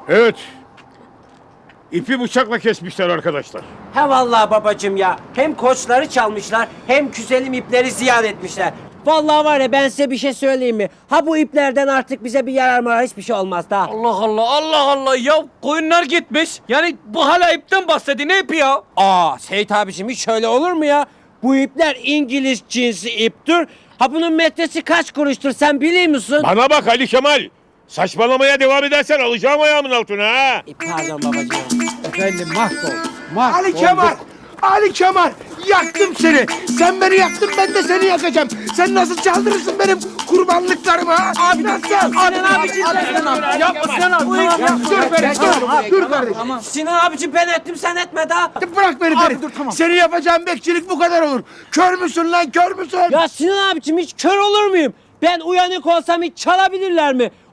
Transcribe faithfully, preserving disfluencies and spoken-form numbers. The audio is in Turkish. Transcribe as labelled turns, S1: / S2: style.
S1: Evet. İpi bıçakla kesmişler arkadaşlar.
S2: He vallahi babacığım ya. Hem koçları çalmışlar hem güzelim ipleri ziyan etmişler. Vallahi var ya, ben size bir şey söyleyeyim mi? Ha bu iplerden artık bize bir yarar mı, hiçbir şey olmaz da.
S3: Allah Allah Allah Allah ya koyunlar gitmiş. Yani bu hala ipten bahsediyor, ne ipi ya?
S2: Aa Seyit abiciğim, hiç şöyle olur mu ya? Bu ipler İngiliz cinsi iptir. Ha bunun metresi kaç kuruştur sen biliyor musun?
S1: Bana bak Ali Kemal. Saçmalamaya devam edersen alacağım ayağımın altına ha.
S2: E, Pardon babacığım.
S4: Efendim mahvolduk. Mahvolduk.
S5: Ali Kemal! Ali Kemal! Yaktım seni! Sen beni yaktın, ben de seni yakacağım. Sen nasıl çaldırırsın benim kurbanlıklarımı ha? Abi nasıl?
S2: Sinan abiciğim ben ettim.
S3: Yapma Sinan abi.
S2: Bu ip yapma.
S5: Dur beni, dur, dur kardeşim.
S2: Sinan abiciğim ben ettim, sen etme daha.
S5: Bırak beni Ferit.
S4: dur, tamam.
S5: Seni yapacağım bekçilik bu kadar olur. Kör müsün lan, kör müsün?
S2: Ya Sinan abiciğim, hiç kör olur muyum? Ben uyanık olsam hiç çalabilirler mi?